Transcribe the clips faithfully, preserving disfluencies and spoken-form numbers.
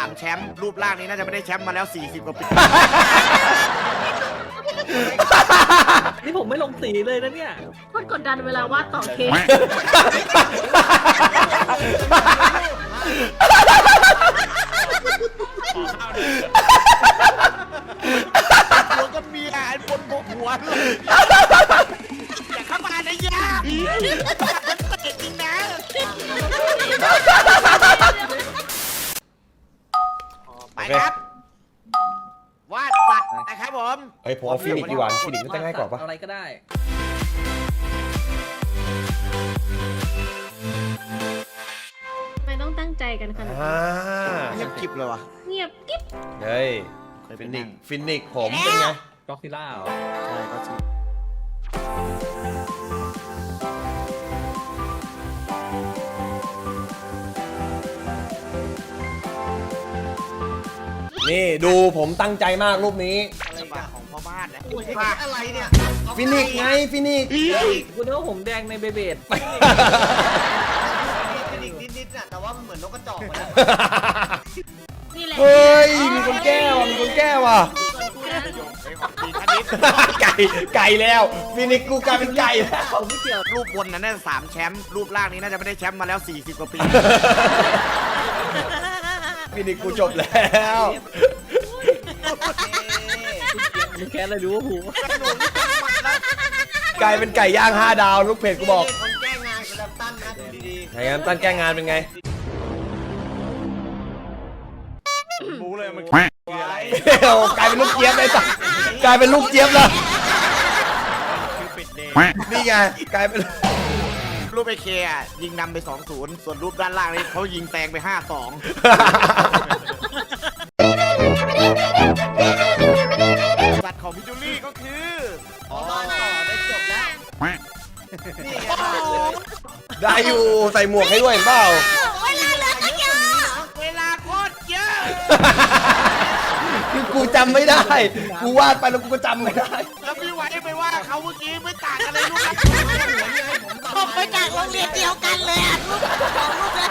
ามแชมป์รูปร่างนี้น่าจะไม่ได้แชมป์มาแล้วสี่สิบกว่าปีนี่ผมไม่ลงสีเลยนะเนี่ยโคตรกดดันเวลาวาดต่อเค้กหัวกับเมียไอ้บนบกหัวเลยอย่าเข้ามานะยามันเตะจริงนะไปครับวาดสัตว์นะครับผมเฮ้ยผมเอาฟินิกซ์ดีกว่าฟินิกซ์มันจะง่ายกว่าปะอะไรก็ได้ทำไมต้องตั้งใจกันขนาดอ่านั้นเงียบกริบเลยวะเงียบกิ๊บเฮ้ยฟินิกซ์ฟินิกซ์ผมเป็นไงก็อกซิล่าเหรอใช่ก็จริงนี่ดูผมตั้งใจมากรูปนี้อะไรกันของพ่อบ้านนะอะไรเนี่ยฟินิกซ์ไงฟินิกซ์คุณนึกว่าผมแดงในเบเบดเป็นอีกนิดๆน่ะแต่ว่ามันเหมือนนกกระจอกเลยนี่แหละเฮ้ยมีคนแก้ว่ะมีคนแก้ว่ะส่วนกูนะดีคณิตไก่ไก่แล้วฟินิกซ์กูกลายเป็นไก่แล้วผมไม่เกี่ยวรูปบนนั้นน่าจะสามแชมป์รูปล่างนี้น่าจะไม่ได้แชมป์มาแล้วสี่สิบกว่าปีฟินิกซ์กูจบแล้วมึงแค่อะไรรู้ว่าหูกลายเป็นไก่ย่างห้าดาวลูกเพจกูบอกคนแก้งานกับแลมตันนะดีไงงั้นตั้นแก้งานเป็นไงรู้เลยมันคืออะไรโอ้กลายเป็นลูกเจี๊ยบเลยสัสกลายเป็นลูกเจี๊ยบแล้วนี่ไงกลายเป็นรูปไอเคอะยิงนำไปสองศูนย์ส่วนรูปด้านล่างนี่เขายิงแซงไปห้าสองสัตว์ของพิจูลี่ก็คือๆพอมาต่อได้จบแล้วนี่ไงได้อยู่ใส่หมวกให้ด้วยเห็นเปล่าเวลาเหลือก็เยอะเวลาโคตรเยอะคือกูจำไม่ได้ กูวาดไปแล้วกูก็จำไม่ได้แล้วพี่ไว้ไปว่าเขาเมื่อกี้ไม่ต่างกันเลยลูกผมไปจากโรงเรียนเดียวกันเลยอ่ะลูกของลูกเลย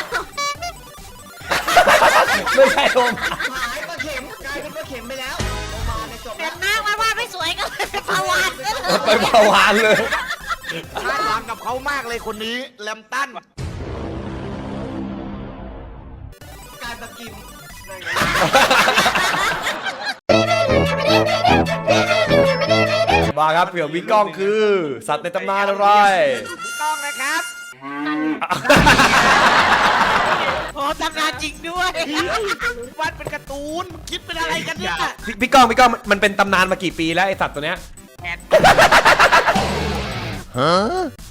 ไม่ใช่โอมหายปลาเข็มกลายเป็นปลาเข็มไปแล้วโอมาในจบเป็แล้วนมากว่าว่าไม่สวยก็เลยเป็นภาวะไปเผาวานเลยคาดหวังกับเขามากเลยคนนี้แลมตันกลายปลากิมมาครับเผื่อวิกล้องคือ สัตว์ในตำนานอะไรพี่ก้องนะครับโอ้ตำนานจริงด้วยวัดเป็นการ์ตูนคิดเป็นอะไรกันเนี่ยพี่พี่ก้องพี่ก้องมันเป็นตำนานมากี่ปีแล้วไอสัตว์ตัวเนี้ยแอดฮะ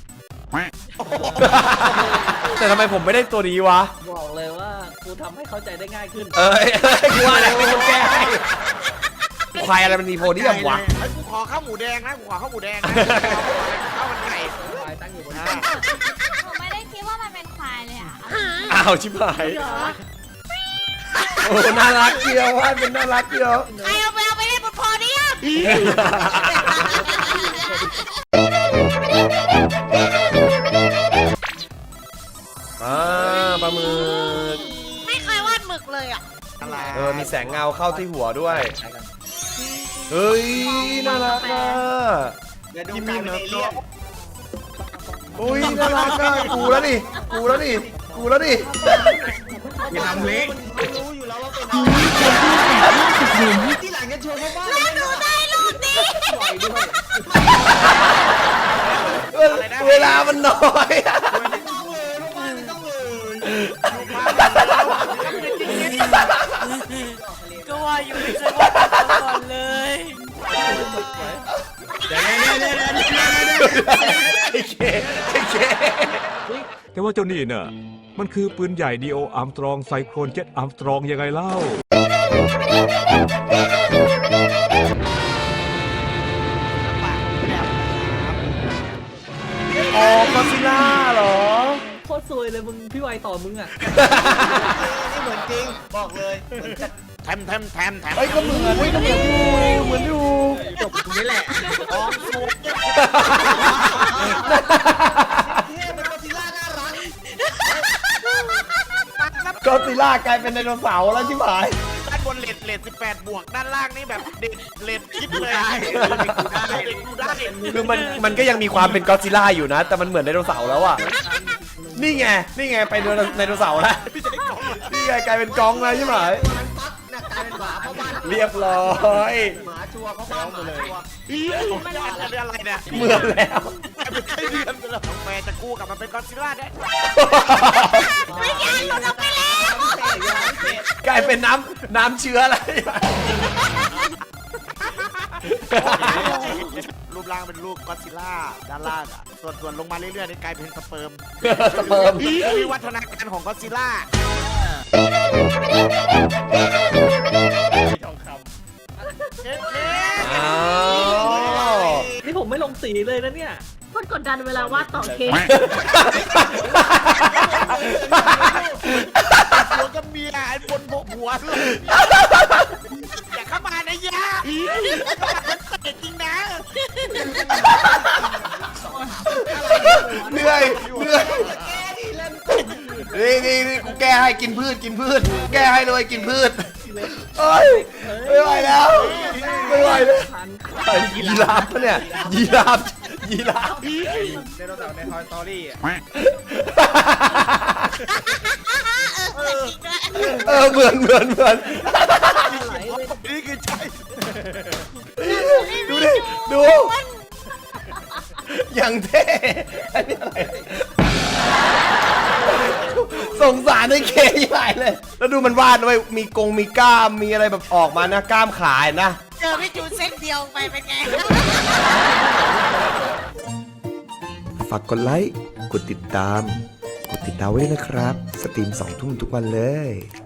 แต่ทำไมผมไม่ได้ตัวนี้วะบอกเลยว่ากูทำให้เข้าใจได้ง่ายขึ้นเอ้ยเอ้ยกูว่าอะไรเป็นคนแก้ให้ควายอะไรมันมีโพเดียมวะไอ้กูขอข้าวหมูแดงนะกูขอข้าวหมูแดงนะข้าวมันไก่ควายตั้งอยู่บนนะผมไม่ได้คิดว่ามันเป็นควายเลยอ่ะอ้าวชิบหายเหรอโอ้น่ารักเกียวว่าเป็นน่ารักเกียวใครเอาไปเอาไปเล่นบนพอดีอ่ะอ่าปลาหมึกไม่เคยวาดหมึกเลยอ่ะอะไรเออมีแสงเงาเข้าที่หัวด้วยเฮ้ยน่ารักอ่ะเดี๋ยวดูกลายเป็นเอเลี่ยนอุ้ยน่ารักอ่ะกูแล้วดิกูแล้วดิกูแล้วดิอย่าทำเล็กไม่รู้อยู่แล้วว่าเป็นอะไรที่หลังจะโชว์เขาบ้างแล้วหนูได้รูปนี้ปล่อยด้วยเวลามันน้อยอะต้องเลยลูกบ้านต้องเลยก็ว่าอยู่ไม่เคยวาดก่อนเลยไอ้เคไอ้เคแต่ว่าเจ้านี่น่ะมันคือปืนใหญ่ดีโออาร์มสตรองไซโครนเจ็ตอาร์มสตรองยังไงเล่าอ๋อก็ซิล่าเหรอโคตรซวยเลยมึงพี่ไวต่อมึงอ่ะนี่เหมือนจริงบอกเลยเหมือนจะแถมแถมแถมแถมเฮ้ยก็เหมือนเฮ้ยก็เหมือนอยู่เหมือนอยู่จบตรงนี้แหละออกสูตรเท่เป็นกอซิลล่าน่ารักก็ซิล่ากลายเป็นไดโนเสาร์แล้วชิบหายด้านบนเลดเลดสิบแปดบวกด้านล่างนี่แบบเด็ดเลดคิดเลยเด็กกูได้คือมันมันก็ยังมีความเป็นก็อดซิลล่าอยู่นะ แต่มันเหมือนไดโนเสาร์แล้วอ่ะนี่ไงนี่ไงไปไดโนเสาร์แล้วนี่ไงกลายเป็นกองแล้วใช่ไหมมันปั๊บน่ะกลายเป็นหมาเพราะบ้านเรียบร้อยหมาชัวร์เพราะบ้านหมาชัวร์มันเป็นอะไรเนี่ยเหมือนแล้วไม่ใช่เดือนเลยน้องแม่จะกู้กลับมาเป็นก็อดซิลล่าได้ไม่ยายหลุดออกไปแล้วกลายเป็นน้ำน้ำเชื้ออะไรรูปร่างเป็นรูปก็อดซิลล่าด้านล่างอ่ะส่วนส่วนลงมาเรื่อยๆนี่กลายเป็นสเปิร์มสเปิร์มวิวัฒนาการของก็อดซิลล่าอ้าวนี่ผมไม่ลงสีเลยนะเนี่ยคนกดดันเวลาวาดต่อเค้กหัวกับเมียไอ้บนบกหัวเลยอย่าเข้ามานะยาเตะจริงนะเหนื่อยเหนื่อยนี่นี่นี่กูแก้ให้กินพืชกินพืชแก้ให้เลยกินพืชเอ้ยไม่ไหวแล้วไม่ไหวแล้วไอ้ยีราฟปะเนี่ยยีราฟยีราฟไดโนเสาร์ในทอยสตอรี่อ่ะเออเหมือนเหมือนเหมือนนี่คือใช่ดูดิดูอย่างเท่อันนี้อะไรสงสารไอ้เคใหญ่เลยแล้วดูมันวาดด้วยมีกงมีกล้ามมีอะไรแบบออกมานะกล้ามขายนะเจอพี่จูนเส้นเดียวไปเป็นไงฝากกดไลค์ กดติดตาม กดติดดาวไว้ด้วยนะครับ สตรีมสองทุ่มทุกวันเลย